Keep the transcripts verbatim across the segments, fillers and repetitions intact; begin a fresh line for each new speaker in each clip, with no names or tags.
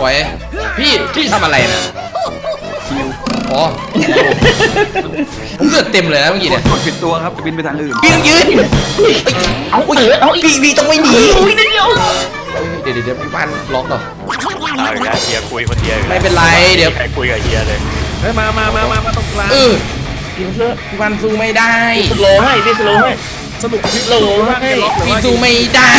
วยพี่พี่ทำอะไรนะอ๋อผมเลือดเต็มเลยนะเมื่อกี้เนี่ย
กดผิดตัวครับจะบินไปทางอื่น
พี่ต้องยืนเอาเออเอาพี่พี่ต้องไม่หนีเดี๋ยวเดี๋ยวเดี๋ยวพี่บ้านล็อกเหรอ
เอาอีกแล้วเฮียคุยคนเดียว
ไม่เป็นไรเดี๋ยว
ใครคุยกับเฮียเลย
เฮ้ยมามามามามาตรงกลาง
เออพี่บ้านสู้ไม่ได้
สโลให้พี่สโลให้
สนุกพี่
โลให้
พี่สู้ไม่ได้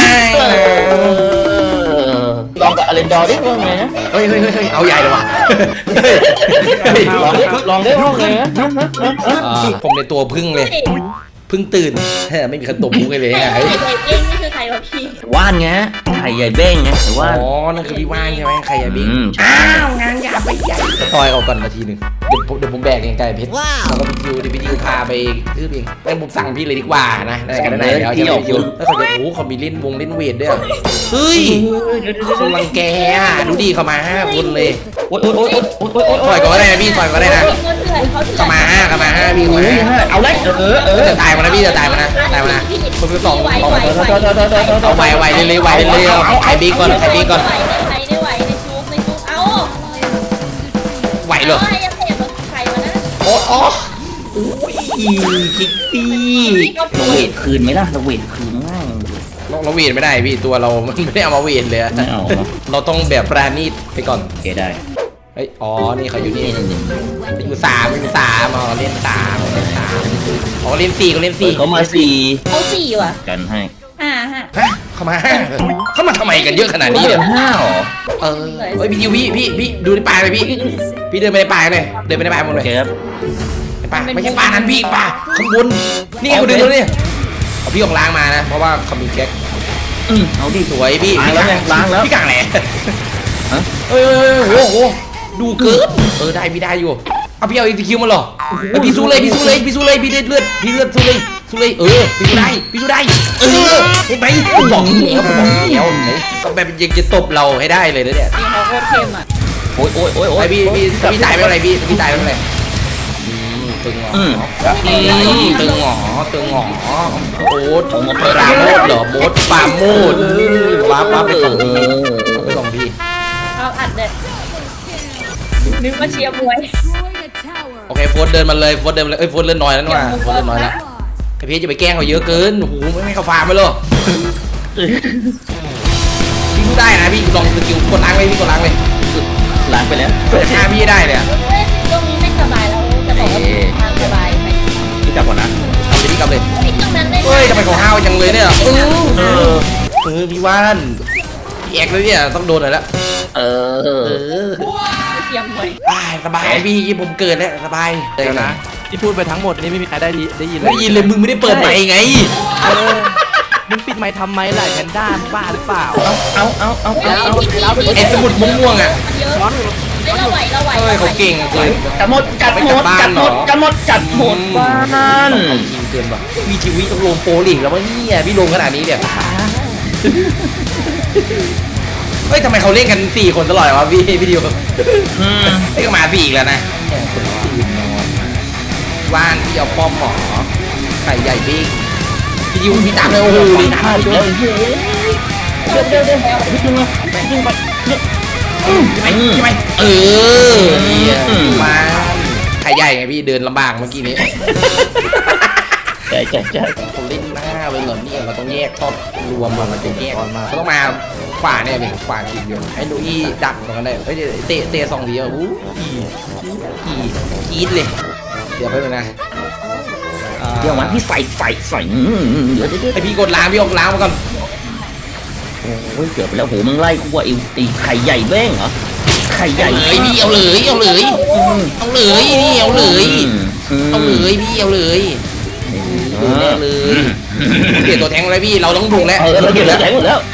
ลองกับอเลนดอร์ดิว่าไงนะ
เฮ้ยเฮ้ยเฮ้ยเอาใหญ่เลยว่ะ
ลองลองได้ว่าไงนะ
ผมในตัวพึ่งเลยพึ่งตื่นไม่มีใครตบมุกเลยไง
ไข่ใหญ่เบ้งนี่คือใครวะพี่
ว่านไงไข่ใหญ่เบ้งไงหรือว่า
อ๋อนั่นคือพี่ว่านใช่ไหมไข่ใหญ่เบ้งอ้าวงานหยาบไปใหญ่ต่อยเอาก่อนนาทีหนึ่งเดี๋ยวผมเดี๋ยวผมแบกเองไก่เพชรแล้วก็พี่ดิวเดี๋ยวพี่ดิวพาไปทื่อเองงั้นผมสั่งพี่เลยดีกว่านะได้กันได้แล้วจะพี่ดิวแล้วเขาจะโอ้เขามีเล่นวงเล่นเวทด้วยเฮ้ยคนรังแกอ่ะดูดีเขามาห้าคนเลย
โอ๊ยโอ๊ยโอ๊ยโอ๊ยโอ๊ยโอ๊ย
ต่อยก็ได้นะพี่ต่อยก็ได้นะเขามาห้าเขามาห้าพี่มา
เอาเลยเออเออ
จะตายมานะพี่จะตายมานะตายมานะคนที่สองเอาไวไวเลยเลยไวเลยเอาไข่บีก่อนไข่บีก่อน
ไหวได้ไหวในชุบในชุบเอ้า
ไหวเหรอโอ้โอ้คิกซี่
เราเวทคืนไหมล่ะเราเวทคืนง่าย
เราเวทไม่ได้พี่ตัวเรามันไม่ได้เอามาเวทเลยเราต้องแบบปราณีตไปก่อน
โอเคได้
เฮ้ยอ๋อนี่เขาอยู่นี่อยู่สามอยู่สามอ๋อเล่นสามเล่นสามอ๋อเล่นสี่ก็เล่นสี่
เขามาสี่
เขาสี่ว่ะ
กันให้
ห้าฮะ
เขามาห้าเขามาทำไมกันเยอะขนาดนี้เนี่ย
ห้าหรอ
เออเฮ้ยพี่ดิวพี่พี่พี่ดูในป่าเลยพี่พี่เดินไปในป่าเลยเดินไปในป่าหมดเลย
ครับ
ในป่าไม่ใช่ป่านั้นพี่ป่าข้างบนนี่ไงคุณดูนี่เอาพี่ของล้างมานะเพราะว่าเขามีแก๊ก
อืมเอาดิ
สวยพี่
ล้างแล้วล้างแล้ว
พี่กางแหล่เฮ้ยโอ้โหดูเกินเออได้พี่ได้อยู่เอาพี่เอาอีกคิวมาหรอพี่สู้เลยพี่สู้เลยพี่สู้เลยพี่เลือดเลือดพี่เลือดสู้เลยสู้เลยเออพี่สู้ได้พี่สู้ได้เออเห็นไหมผมบอกแล้วผมบอกแล้วไหนก็แบบยังจะตบเราให้ได้เลยนะเนี่ย
นี่เขาโคตรเข้มอ่ะ
โอ๊ยโอ๊ยโอ๊ยโอ๊ย
พี่พี่พี่ตายไม่เป็นไรพี่พี่ตายไม่เป็นไรตึงหงอตึงหงอตึงหงอโอ๊ตปราโมดเหรอโบ๊ทปราโมดว้าว้าไปสองทีไปสองที
เขาอัดเลยนึกว่าเชียร์มวย
โอเคโฟนเดินมาเลยโฟนเดินเลยเอ้ยโฟนเล่นน้อยแล้วนี่ว่าโฟนเล่นน้อยแล้วไอพี่จะไปแกล้งเขาเยอะเกินโอ้โหไม่ให้เขาฟาร์มไปเลยพี่พูดได้นะพี่ลองสกิลกดล้างเลยพี่กดล้างเลย
ล้างไปแล้ว
เปิดหน้าพี่ได้เลย
ตรงนี้ไม่สบายแล้วจะบอกว่าทางสบายไหม
พี่กลับก่อนนะเอาไปพี่กลับเลย
ตรงนั้นได้
เฮ้ยทำไมเขาห้าวจังเลยเนี่ยเออเออพี่ว่านพี่แอกเลยเนี่ยต้องโดนหน่อยแล้ว
เออ
เชียร์มวย
สบายพี่ผมเกิดแล้วสบาย
เดี๋ยวนะที่พูดไปทั้งหมดนี่ไม่มีใครได้ได้ยิน
ได้ยินเลยมึงไม่ได้เปิดไมค์ไง
มึงปิดไมค์ทำไมล่ะแพนด้าบ้าหรือเปล่า
เอาเอาเอาเอาเอา
ไอ้สมุดม่วงอ่ะ
ร้อนเราไหวเราไหว
เฮ้ยเขาเก่งเกิน
กัดหมดกัดหมดกัดหมดกัดหมดกัดหมดบ้าน
จริงเกินว่ะมีชีวิตต้องลงโปรลิงแล้ววะเนี่ยพี่ลงขนาดนี้เนี่ยเฮ้ยทำไมเขาเล่นกันสี่คนตลอดวะพี่พี่ดิวไอ้ก็มาสี่อีกแล้วนะคนตื่นนอนว่านที่เอาป้อมหมอไข่ใหญ่บิ๊กพี่ดิวพี่ตามเลยโอ้โหนี่นะ
เดี๋ยวเดี๋ยวเดี๋ยวเดี๋ยวพี่ดึงมาดึงไป
ไปไปเออมาไข่ใหญ่ไงพี่เดินลำบากเมื่อกี้นี้
ใช่ใช่ใช่
เขาเล่นหน้าไปเหรอเนี่ยเราต้องแยกทอดรวมมันจะแยกเขาต้องมาขวาเนี่ยเป็นขวาทีเดียวให้ดูอีดักตรงนั้นได้เฮ้ยเตะเตะสองทีอ่ะอู้อีอีกีดเลยเดี๋ยวไปเลยนะ
เดี๋ยวมาพี่ใส่ใส่ใส่เดี๋ยวเดี๋ยว
ไอพี่กดล้างพี่ออกล้างมาก่อน
โอ้ยเกือบไปแล้วโหมึงไล่กูว่าไอ้ตีไข่ใหญ่แบ้งเหรอไข่ใหญ่
เลยพี่เอาเลยเอาเลยเอาเลยนี่เอาเลยเอาเลยพี่เอาเลยดูแน่เลยเปลี่ยนตัวแทงเลยพี่เราต้องบุกแล้ว
เราเปลี่ยนตัวแทงหมดแล้ว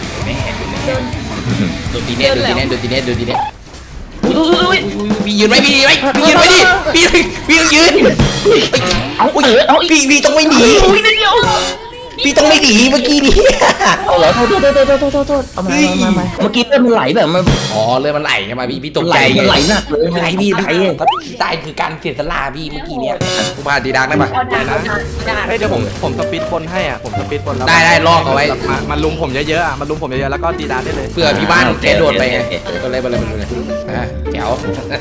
ดูตีเน็ตดูตีเน็ตดูตีเน็ตดูตีเน็ตพี่ยืนไว้พี่ยืนไว้พี่ยืนไว้ดิพี่พี่ต้องยืน
เอาเอา
พี่พี่ต้องไม่หนีพี่ต้องไม่หนีเมื่อกี้นี้
เอาเหรอโทษโทษโทษโทษโทษโทษโทษเอามามามาเมื่อกี้เลือดมันไหลแบบมัน
อ๋อเลยมันไหลใช่ไหมพี่พี่ตก
ไหล
ใจ
มันไหลหนักเลย
ไหลพี่
ไหล
พี่ถ้าพี่ตายคือการเสียสละพี่เมื่อกี้เนี้ยกูพาดีดังได้ปะ
เอาดาบเอาดาบดาบ
เฮ้ยเดี๋ยวผมผมสปีดบนให้อ่ะผมสปีดบนแล้ว
ได้ได้ลอกเอาไว้
มามาลุมผมเยอะๆอ่ะมาลุมผมเยอะๆแล้วก็ตีดาได้เลย
เพื่อพี่บ้านแกโดดไปไงก็เลยไปเลยไปเลยอ่ะแจ๋ว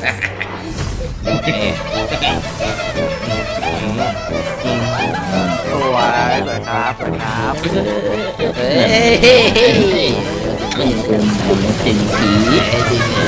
สวยสวยครับสวยครับ
เฮ้ย
มันเป็นสิ่งผีมีให้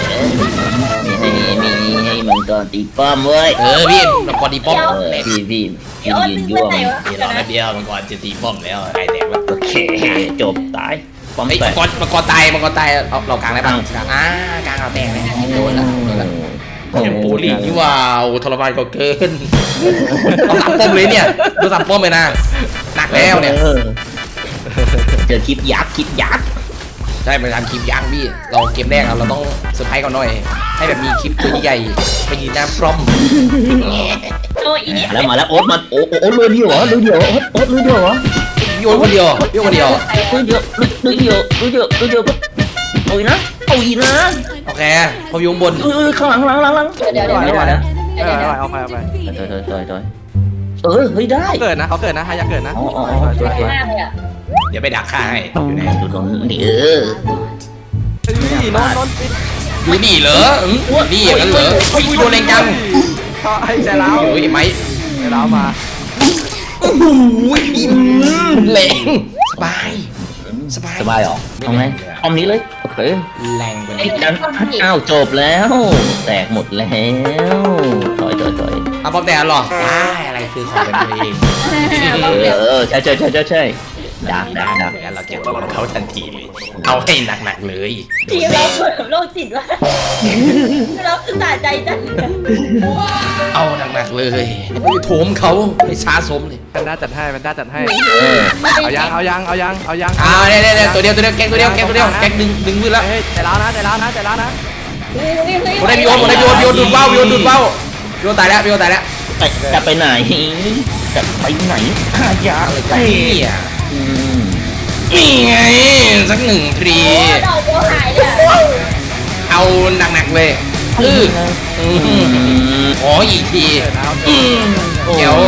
มีให้มังกรตีป้อมเว้ย
เออพี่มังกรตีป้อม
เออพี่พี่พี่ยืนยั่วมัน
พี่รอแป๊บเดียวมังกรจะตีป้อมแล้วใครแตกวะ
โอเคจบตายป้อม
ไอ้
แต
มั
ก
งกรมังกรตายมังกรตายเอาเรากลางได้ปะกลางอ่ากลางเราแตกเลยโดนละโดนละแข่งปูลีนี่ว้าวทรมานก็เกินเอาสามป้อมเลยเนี่ยดูสามป้อมเลยนะหนักแล้วเนี่ย
เจอคลิปยักษ์คลิปยักษ์
ใช่ไปทำคลิปย่างพี่เราเกมแรกเราต้องเซอร์ไพรส์เขาหน่อยให้แบบมีคลิปตัวใหญ่ไปยืนหน้าพร้อม
โอ้ยอีนี่
แล้วมาแล้วโอ๊ตมาโอ๊ตโอ๊ตเลยเดียวเหรอเลยเดียวโอ๊ตโอ๊ตเลยเดียวเหรอ
โยนคนเดียวโยนคนเดียว
เลยเดียวเลยเดียวเลยเดียวเลยเดียวโอ้ยนะโอ้ยนะ
โอเคพออยู่ข้างบน
เออข้างหลังข้างหลังข้างหลัง
เดี๋ยวเดี๋ยวเดี๋ยวเดี๋ยวเดี๋ยว
เออ
เดี๋ยว
เอาไปเอาไป
ถอยถอยถอยถอยเออเฮ้ยได้
เขาเกิดนะเขาเกิดนะฮะอยากเกิดนะ
อ๋ออ๋อ
สวยสวย
มากเลยอ่ะ
เดี๋ยวไปดักฆ่าให้อยู่ไหน
ดูตรงนี้เออ
นี่นอนนอน
อยู่นี่เหรออืมนี่อย่างนั้นเหรอเฮ้ยโดนแรงจัง
ก็ให้ใจร้าว
โอ้ยไหม
ใจร้าวมา
โอ้โหแรงสบายสบาย
สบายหรอเอาไงเอานี้เลยโอเค
แรงไป
ไอ้ดันอ้าวจบแล้ว แตกหมดแล้วถอยถอยถอย
เอาป้อมแดงหรอว้ายอะไรคือของเป็นตัวเอง
เออเออใช่ใช่ใช่ใช่ใช่ดักดักดัก
งั้นเราเก็บตัวเขาทันทีเลยเอาให้หนักๆเลย
ทีมเราเปิดโลกจิตว่ะเราคือสะใจจัง
เอาหนักๆเลยไปโถมเขาให้ช้าสมเลย
แพนด้าจัดให้แพนด้าจัดให้
เออ
เอายังเอายังเอายังเอายัง
เอาเนี่ยเนี่ยตัวเดียวตัวเดียวแกงตัวเดียวแกงตัวเดียวแกงดึงดึงมือแล้ว
เฮ้ยใจร้าวนะใจร้าวนะใจร้าวนะ
ผมได้พี่โอนผมได้พี่โอนพี่โอนดูดเบ้าพี่โอนดูดเบ้าพี่โอนตายแล้วพี่โอนตายแล้ว
ไปจะไปไหนจะไปไหนหายา
อะไร
เลย
กันเนี่ย
อืม
นี่ไงสักหนึ่งทรี
โอ้ดอกบัวหายเลย
เอาหนักๆเลยอืออือขออีกที
เกิดนะเอา
อืมเดี๋ยว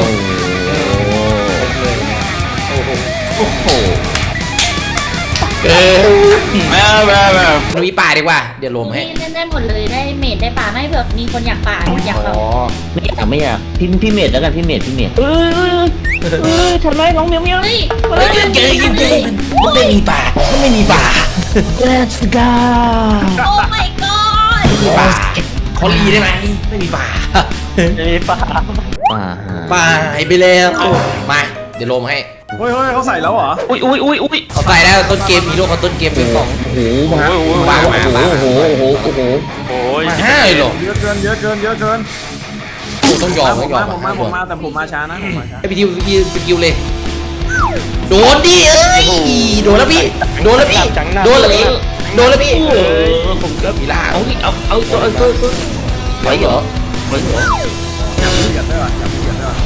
โอ้โหโอ้โห
เกิน
มามามา
ลุยป่าดีกว่าเดี๋ยวลมให้
เล่นได้หมดเลยได้เมดได้ป่าไม่เผื่อมีคนอยากป่าอยากแบบ
ไม่อยากไม่อยากพี่พี่เมดแล้วกันพี่เมดพี่เมดเออเออทำไรน้องเมียวเมียว
เฮ้ย
เฮ้ยเจอยิงเจอมันไม่มีป่ามันไม่มีป่า
Let's go
โอ้ my god
ไม่มีป่าขอรีได้ไหมไม่มีป่า
มีป่า
ป่า
ป่าหายไปแล้วมาเดี๋ยวลมให้
เฮ้ยเฮ้ยเขาใส่แล้วเหรอ
อุ้ยอุ้ยอุ้ยอุ้ย
เขาใส่แล้วต้นเกมฮีโร่เขาต้นเกมเป็นสอง
โอ้โหมาโอ้โห
มามามา
โอ้โหโอ้โหโอ้โห
โอ้ย
มาห้าเลยเหรอ
เยอะเกินเยอะเกินเยอะเกิน
โอ้ต้องยอม
ผ
ต้อ
ม
งยอ
มาม ผมมาผมมา
มา
แต่ผมมาช้านะผมมาช้า
ไอพี่ทิวพี่สกิลเลยโดนดิเอ้ยโดนแล้วพี่โดนแล้วพี่โดนแล้วพี่โดนแล้วพี่เออผมเลิกมีล่า
เอาดิเอาเอาตัวเอาตัวตัวไหวเหรอไหวเหรอ
จับมือกันด้วยว่ะจับมือกันด้วยว่ะ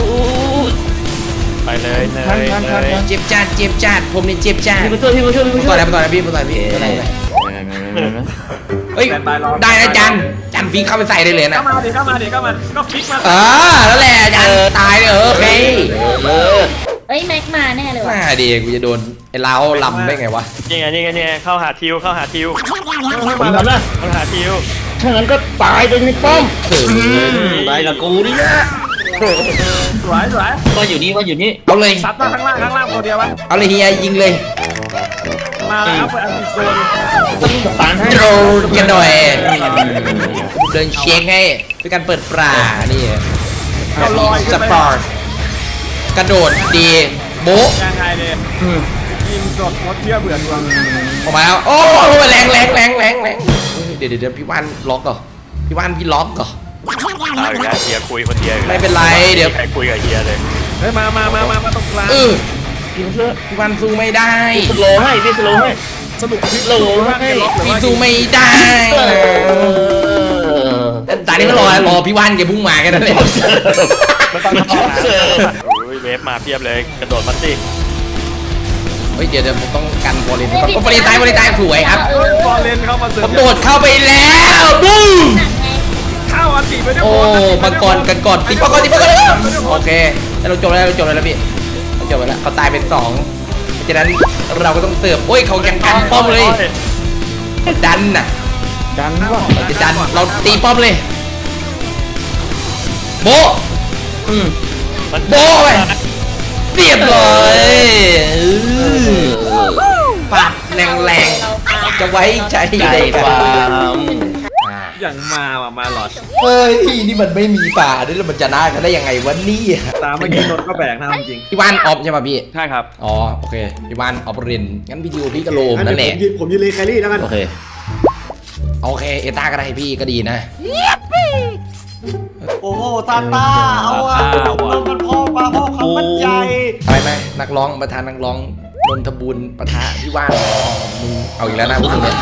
ไปเลยเนยเนย
เจ็บจัดเจ็บจัดผมนี่เจ็บจัด
พี่มาช่วยพี่มาช่วยพี่
ผม
มาช่
ต่
ว
อย แล้วผมต่อยแล้วพี่ผมต่อยพี่อะไรอะไรเฮ้ยได้นะจันจันฟิกเข้าไปใส่ได้เลยนะ
เข้ามาดิเข้ามาดิเข้ามาก็ฟิกมา
อ่าแล้วแหละจันตายเลยเออโอเค
เออ
เฮ้ยแม็กมาแน่เลยว่ะ
มาดีกูจะโดนไอ้เล้าลำได้ไงวะ
นี่ไงนี่ไงนี่ไงเข้าหาทิวเข้าหาทิว
ผมทำนะ
เข้าหาทิว
ถ้างั้นก็ตายไปในป้อม
เขิน
ตายกับกูนี่นะ
สวยสวย
ว่าอยู่นี่ว่าอยู่นี่
เอาเลย
ซัดมาข้างล่างข้างล่างตัวเดียววะ
เอาเลยเฮียยิงเลย
มาแล้วเปิดอันติโซน
ต้องสตาร์ทให้
โดนกันหน่อยเดินเช็คให้ด้วยการเปิดปลานี่
เอาลอย
สปอร์ตกระโดดดีโบ๊ะ
ยังไงเลย
อืม
กินสดมดเที่ยวเบื่อดวง
ออกมาแล้วโอ้แรงแรงแรงแรงแรงเดี๋ยวเดี๋ยวพี่ว่านล็อกก่อนพี่ว่านพี่ล็อกก่อน
เอาอีกแล้วเฮียคุยคนเดียวอีกแล้ว
ไม่เป็นไรเดี๋ยว
ใครคุยกับเฮียเลย
เฮ้ยมามามามามาตรงกลาง
เออ
พี่มาช่วย
พี่ว่านสู้ไม่ได้
สโลว์ให้พี่สโลว์ให้
สนุกคลิป
โหล
ว่าไงล็อกหรือ
พี่
ว่า
สู้ไม่ได้
เออ
แต่ตอนนี้ก็รอรอพี่ว่านแกพุ่งมาแค่นั้นเอง
ไม่ต้องเข้านะโอ้ยเวฟมาเพียบเลยกระโดดมาสิ
ฮ้ยเดี๋ยวเดี๋ยวผมต้องกันโฟลินก่อนโอ้โฟลินตายโฟลินตายสวยครับ
บอลเลนเข้ามาเสริ
ผม มโดดเข้าไปแล้วบูม
เข้าอันตีไปด้วย
โอ้มังกรกันก่อนตีมังกรตีมังกรเลยโอเคเราจบแล้วเราจบแล้วแล้วพี่เราจบแล้วเขาตายเป็นสองเพราะฉะนั้นเราก็ต้องเสิร์ฟโอ้ยเขายังกันป้อมเลยดันน่ะ
ดันว่า
เราจะดันเราตีป้อมเลยโบอืม
มัน
โบไปเรียบร้อยปัดแรงๆจะไว้ใจ
ใจ
ได้
ฟา
ป่ะ
ร์ม
อ่า
อย่างมาว่ะมาหลอด
เฮ้ยนี่มันไม่มีป่าด้วยแล้วมันจะน่ากันได้ยังไงวะเนี่ย
ตามเมื่อกี้นนท์ก็แบกนะจริง
พี่วานออฟใช่ป่ะพี่
ใช่ครับ
อ๋อโอเคพี่วานออฟเรนงั้นพี่ดิวพี่กระโลมนั่นแหละ
ผมยืนผมยืนเลยแครี่แล้วกัน
โอเค
โอเคเอต้าก็ได้พี่ก็ดีนะ
โอ้โหตาตาเอาอ่ะมันพ่อปลาพ่อคำมั่นใจ
ไปไหมนักร้องประธานนักร้องนนทบุญปะทะพี่ว่านมึงเอาอีกแล้วนะพวกนี้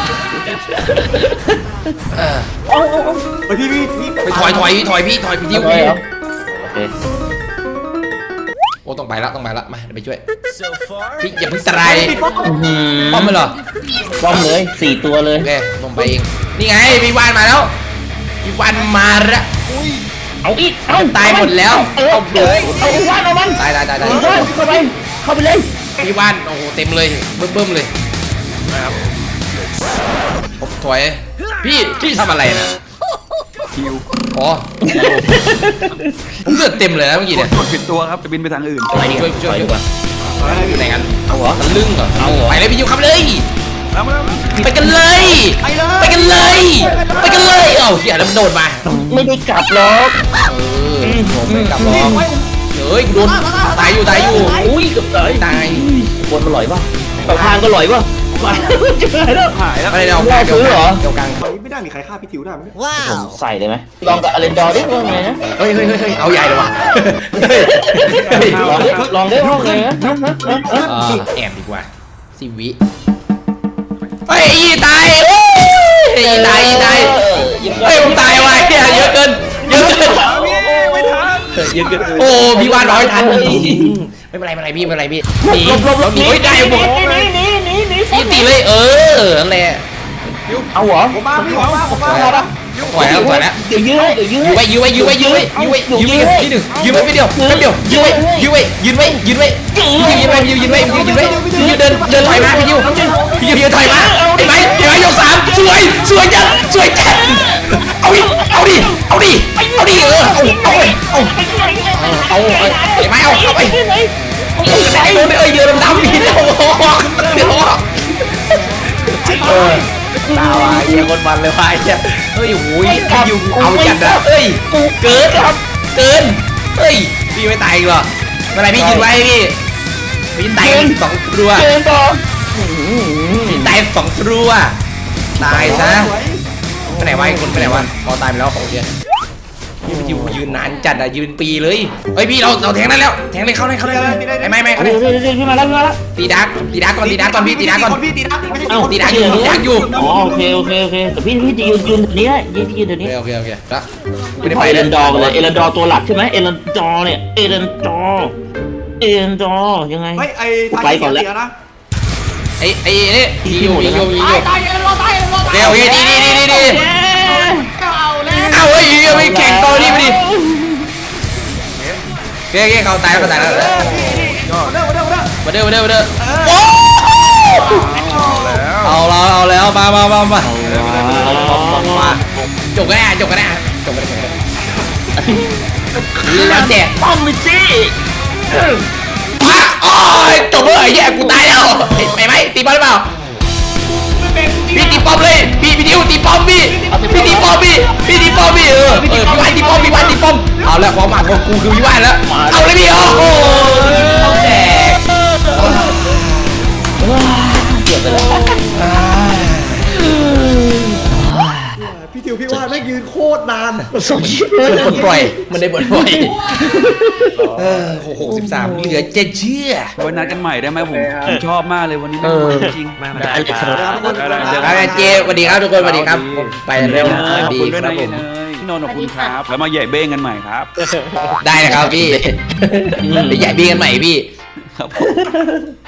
เออ
ไปพี่พี่พี่
ไปถอยถอยถอยพี่ถอยพี่ดิว
โอเค
พี่
ครับโอเค
โอ้ต้องไปละต้องไปละมาเดี๋ยวไปช่วยพี่อย่าเพิ่งตราย
อื้อหือ
ป้อมไปเหรอ
ป้อมเลยสี่ตัวเลย
โอเคผมไปเองนี่ไงพี่ว่านมาแล้วพี่ว่านมาละ
เอาอีกเอา
ตายหมดแล้ว
เอาเอาเลยเอาว่านเอามัน
ตายตายตายตาย
เอาว่านเข้าไปเข้าไปเลย
พี่ว่านโอ้โหเต็มเลยเบิ่มเบิ่มเลยนะครับผมถอยพี่พี่ทำอะไรนะ
คิว
อ๋อผมเลือดเต็มเลยนะเมื่อกี้เนี่ย
กดผิดตัวครับจะบินไปทางอื่น
ไปดีกว่า
ช่วย
ไป
ช่วย
ดีกว่า
อยู่ไหนกัน
เอาเหรอ
มันลึ่งเหรอ
เอาเหรอ
ไปเลยพี่ยูครับเลย
แล้วมาแล้ว
ไปกันเลย ไปกันเลย ไปกันเลยเอ้าเหี้ยแล้วมันโดดมา
ไม่ได้กลับหรอก
เออผมไม่กลับหรอกเฮ้ยกูโดนตายอยู่ตายอยู่
อุ้ยเกือบตาย
ตาย
บนมันลอยป่ะต่อทางก็ลอยป่ะไปเจอแล้ว
หายแล้ว
อะไรเนี่ยเอากลาง
ซื้อเหรอ
เดี๋ยวกลาง
ตอนนี้ไม่ได้มีใครฆ่าพี่ทิวได้ไหม
ผมใส่เลยไหมลองกับอเลนดอร์ดิว่าไงนะ
เฮ้ยเฮ้ยเฮ้ยเฮ้ยเอาใหญ่เลยว่ะเฮ้ย
ลองดิลองได้ว่าไงนะ
อ่าแอบดีกว่าสิบวิเฮ้ยอีตายโอ้ยอีตายอีตายเฮ้ยผมตายว่ะเหี้ยเยอะเกินเยอะเกิน
ไม่ทัน
เยอะเกินโอ้พี่วานร้อยทันไม่เป็นไรไม่เป็นไรพี่ไม่เป็นไรพี่หนี
หลบหลบหลบ
หนีเฮ้ยได้หมด
หนีหนีหนีหนี
พี่ตีเลยเออนั่นแหละ
เอาเหรอ
ผมมาพี่ผมมาผมมา
ถอยแล้วถอยแล้ว
เดี๋ยวยื้อเดี๋ยวยื้อ
ยื้อไว้ยื้อไว้ยื้อไว้ยื้อไว้ยื้อไว้ยื้อไว้ที่หนึ่งยื้อไว้ไม่เดียวไม่เดียวยื้อไว้ยื้อไว้ยื้อไว้ยื้อไว้ยื้อไว้ยื้อไว้ยื้อไว้ยื้อไว้ยื้อเดินเดินถอยมาพี่ยิวพี่ยิวยืนถอยมาไอ้ไหมไอ้ไหมยกสามสวยสวยจัดสวยจัดเอาดิเอาดิเอาดิเอาดิเออเอาเอาเอาเอาไอ้ไหมเอาเข้าไปโดนเอ้ยเดือดดำพี่เดี๋ยวเดี๋ยวเออตาว่ะเยี่ยคนมันเลยว่ะเยี่ยเฮ้ยโอ้ยพี่ยิวเอาจัดนะเฮ้ยเกินครับเกินเฮ้ยพี่ไม่ตายอีกเหรอเมื่อไรพี่ยืนไว้พี่พี่ตายสองตัว
เกินต่อ
พี่ตายสองตัวตายซะไปไหนวะไอ้คนไปไหนวะพอตายไปแล้วโอเคพี่ยิวยืนนานจัดอะยืนปีเลยเฮ้ยพี่เราเราแทงได้แล้วแทงเลยเข้าได้เข้าได้ไอ้ไม่ไม่เข้า
เดี๋
ได้
ยวเดี๋ยวเดี๋ยวขึ้นมาแล้วขึ้นมาแล้ว
ตีดักตีดักก่อนตีดักก่อนพี่ตีดักก่อน
พี่ตีดักไม่ใช่
เอ้า
ตีดักอยู่ตีดักอยู่
อ๋อโอเคโอเคโอเคแต่พี่พี่จะยืนยืนแบบนี้ยืนยืนแบบนี้
โอเคโอเคแล้ว
ไม่
ไม่
ได้
ได้
ไป
ไป
เอ
เล
เลย นดอร์เลยเอเลนดอร์ตัวหลักใช่ไหมเอเลนดอร์เนี่ยเอเลนดอร์เอเลนดอร์ยังไง
เฮ้ยไอ้
ไปก่อนแล้ว
นะ
ไอ้ไอ้นี่ยิงอยู่ยิงอยู่ยิงอยู่
ตายกันรอตายกันรอตาย
เร็วเฮ้ยดีดีดีดีดีเอาเฮ้ยยิงไปแข่งต่อนี่ไปดิเฮ้ยเฮ้ยเขาตายแล้วเขาตายแล้ว
เด้อเด้อเด้อ
มาเด้อมาเด้อมาเด้อโอ้เอาแล้วเอาแล้วมามามามามาจบกันแน่จบกันแน่จบกันแน่แล้วแจก
ป้อมมิจี้
มาโอ้ยจบเลยแย่กูตายแล้วไปไหมตีบอลหรือเปล่าพี่ตีป้อมเลยพี่พี่ดิวตีป้อมพี่พี่ตีป้อมพี่พี่ตีป้อมพี่เออเออพี่วันตีป้อมพี่วันตีป้อมเอาแล้วความหมักของกูคือพี่วันแล้วเอาเลยพี่โอ้โหป้อมแตก
เกือบไปแล้ว
พี่ทิวพี่ว่าแม่งยืนโคตรนาน
มันปลดปล่อยมันได้ปลดปล่อยเออหกสิบสามเหลือเจ็ดเชื่อ
ไว้นัดกันใหม่ได้ไหมผมผมชอบมากเลยวันนี้
เออ
จริง
มาได้ครับ
ครับเจสวัสดีครับทุกคนสวัสดีครับผมไปเร็ว
ขอบ
ดี
คุณด้
คว
ย
รับ
นะ
ผ
เย
ม
เนยพี่นนท์ขอบคุณครับแล้วมาใหญ่เบ้งกันใหม่ครับ
ได้นะครับพี่เดี๋ยวใหญ่บีกันใหม่พี่
ครับผม